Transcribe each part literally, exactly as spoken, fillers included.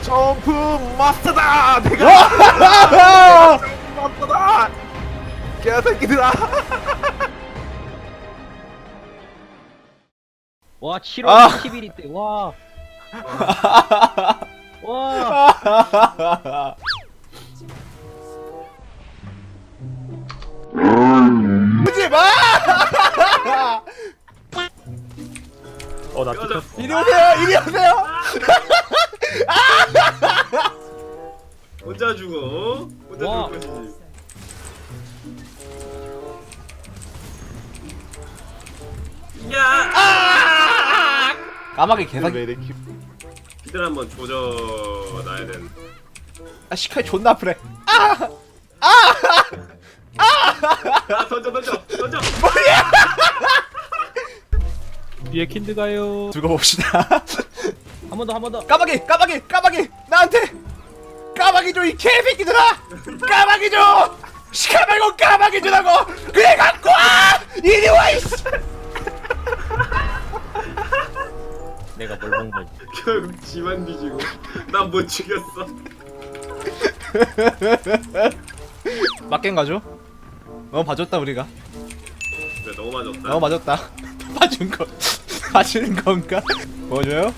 점프 마스터다! 내가 점프 마스터다! 개새끼들아! 와 칠월 아. 이십일일 때 와. 와. 오지 마! 어나 뜯겼어. 이리 오세요! 이리 오세요! 혼자 죽어. 혼자 와. 죽을 것이지. 야! 까마귀 개사기. 피들 한번 조져놔야 되는. 아 시카이 존나 아프네. 아 던져 던져 던져. 뒤에 킨드 가요. 두고 봅시다. 한 번 더 한 번 더. 까마귀 까마귀 까마귀 나한테 까마귀 줘 이 개새끼들아! 까마귀 줘! 시카 말고 까마귀 주라고! 그래 갖고 와! 이리 와 이씨! 내가 뭘 본 거지? 결국 지만 뒤지고 난 못 죽였어. 맞겐 가죠? 너무 봐줬다 우리가. 그래 너무 맞았다. 너무 맞았다. 봐준 거 봐주는 건가? 보여줘요?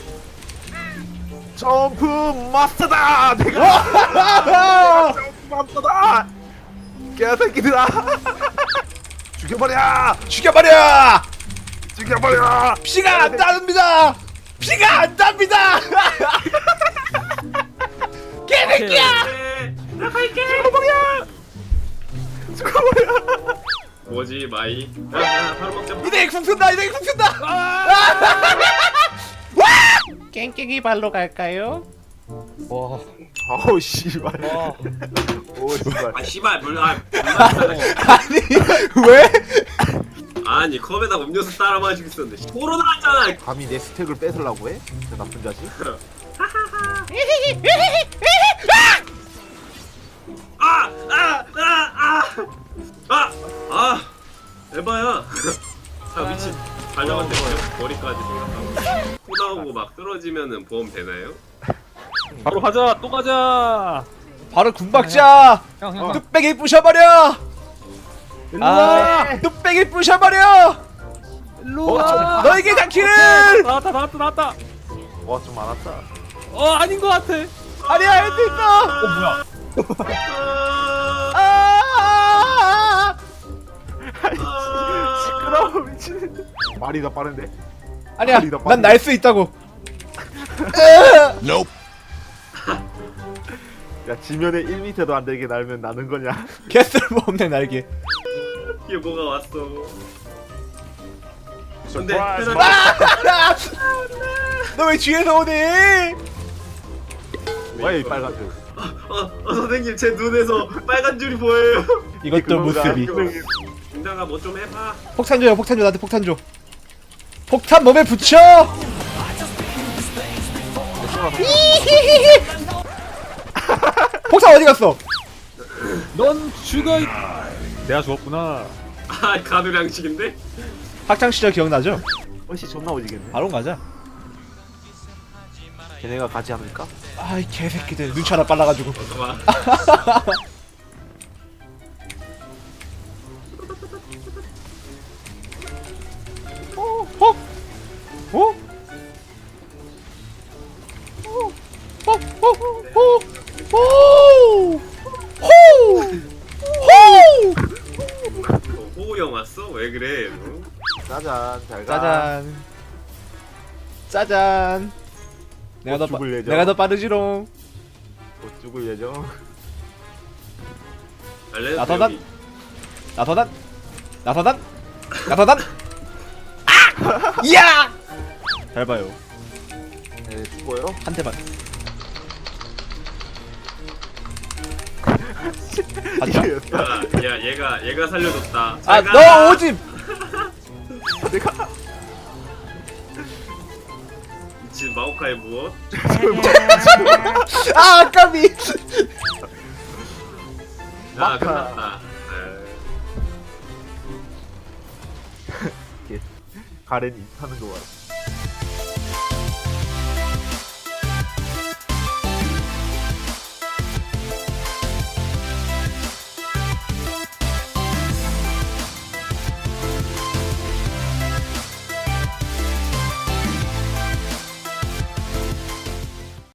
점프 마스터다! 내가 점프 마스터다! 개새끼들아! 죽여버려! 죽여버려! 죽여버려! 피가 안 납니다! 피가 안 납니다! 개새끼야! 네, 나갈게. 죽어버려! 죽어버려! 뭐지 마이? 야, 야 바로 먹자. 이대 궁 쓴다! 이대 궁 쓴다! 깽깽이 발로 갈까요? 와. 어우 씨발. 와. 오 씨발. 아 씨발 물 아. 아니 왜? 아니 컵에다 음료수 따라 마시고 있었는데 토로 나왔잖아. 감히 내 스택을 뺏으려고 해? 저 나쁜 자식. 아아아아아아 에바야. 아 미친. 발령한테 머리까지 생각하고 코 나오고 막 쓰러지면은 보험 되나요? 바로 가자. 또 가자. 바로 군박자. 형 형. 뚝배기 부셔버려. 일로 와. 아, 뚝배기 부셔버려. 일로 어, 와. 너에게 닿기를. 나왔다 나왔다 나왔다. 와 좀 많았다. 어 아닌 것 같아. 아니야 할 수 있어. 어 뭐야? 아. 아, 시끄러워 미친. 말이 더 빠른데. 아니야. 빨리 나, 빨리. 난 날 수 있다고. 야 지면에 일 미터도 안 되게 날면 나는 거냐? 개쓸모없네 날개. 이게 뭐가 왔어? 근데 서프라이즈. 너 왜 뒤에서 오니? 왜 이 빨간 줄? 어, 어 선생님 제 눈에서 빨간 줄이 보여요. 이것도 모습이. 김다가 뭐 좀 해봐. 폭탄 줘요. 폭탄 줘. 나한테 폭탄 줘. 폭탄 몸에 붙여. 폭탄 어디 갔어? 넌 죽어. 이- 내가 죽었구나. 아 가두량식인데? 학창 시절 기억나죠? 어씨 존나 오지겠네. 바로 가자. 걔네가 가지 않을까? 아이 개새끼들 눈치 하나 빨라가지고. 잠깐만. 어? 어? 어? 어? 어? 어? 호! 호! 호! 어, 호우형 왔어? 왜 그래? 너? 짜잔 잘 가. 짜잔. 짜잔. 내가 더 빠, 죽을 예정. 내가 더 빠르지롱. 곧 죽을 예정. 알레 나서단. 나서단. 나서단. 나서단. 아! 이야! 잘 봐요. 네 죽어요. 한 대만. 맞죠? 이게 야, 야 얘가 얘가 살려줬다. 아, 잘 가. 너 오집. 내가 미친 마오카이 무엇? 아, 아까비. 아 마카. 끝났다. 에이. 가렌이 하는 거 봐.